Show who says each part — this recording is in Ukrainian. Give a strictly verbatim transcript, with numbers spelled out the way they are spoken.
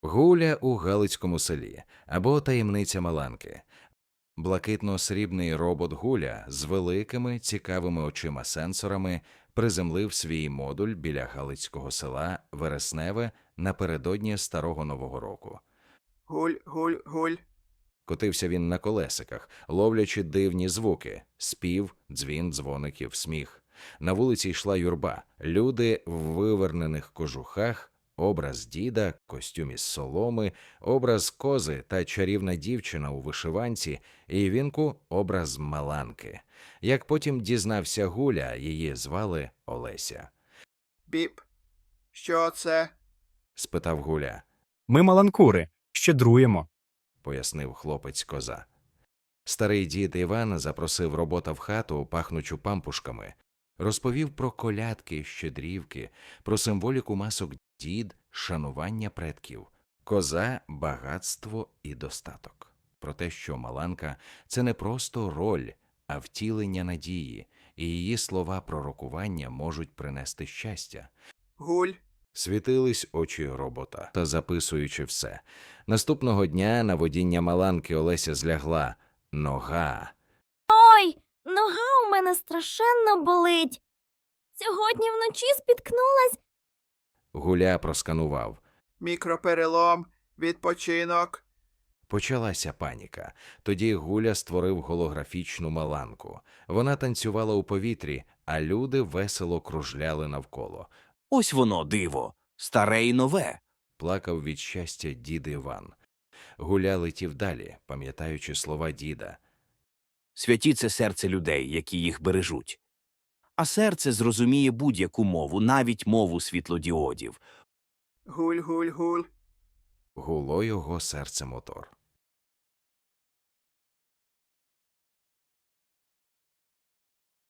Speaker 1: Гуля у Галицькому селі або таємниця Маланки. Блакитно-срібний робот Гуля з великими цікавими очима-сенсорами приземлив свій модуль біля Галицького села Вересневе напередодні Старого Нового року.
Speaker 2: Гуль, гуль, гуль.
Speaker 1: Котився він на колесиках, ловлячи дивні звуки – спів, дзвін, дзвоників, сміх. На вулиці йшла юрба, люди в вивернених кожухах, образ діда, костюм із соломи, образ кози та чарівна дівчина у вишиванці, і вінку – образ Маланки. Як потім дізнався Гуля, її звали Олеся.
Speaker 2: Біп. Що це?
Speaker 1: – спитав Гуля.
Speaker 3: Ми маланкури, щедруємо.
Speaker 1: – пояснив хлопець-коза. Старий дід Іван запросив робота в хату, пахнучу пампушками. Розповів про колядки, щедрівки, про символіку масок дід, шанування предків, коза, багатство і достаток. Про те, що Маланка – це не просто роль, а втілення надії, і її слова пророкування можуть принести щастя.
Speaker 2: Гуль.
Speaker 1: Світились очі робота, та записуючи все. Наступного дня на водіння Маланки Олеся злягла. Нога.
Speaker 4: Ой, нога у мене страшенно болить. Сьогодні вночі спіткнулась.
Speaker 1: Гуля просканував.
Speaker 2: Мікроперелом. Відпочинок.
Speaker 1: Почалася паніка. Тоді Гуля створив голографічну Маланку. Вона танцювала у повітрі, а люди весело кружляли навколо.
Speaker 5: Ось воно, диво, старе й нове.
Speaker 1: Плакав від щастя дід Іван. Гуля летів далі, пам'ятаючи слова діда.
Speaker 5: Святі – це серце людей, які їх бережуть. А серце зрозуміє будь-яку мову, навіть мову світлодіодів.
Speaker 2: Гуль, гуль, гуль.
Speaker 1: Гуло його серце мотор.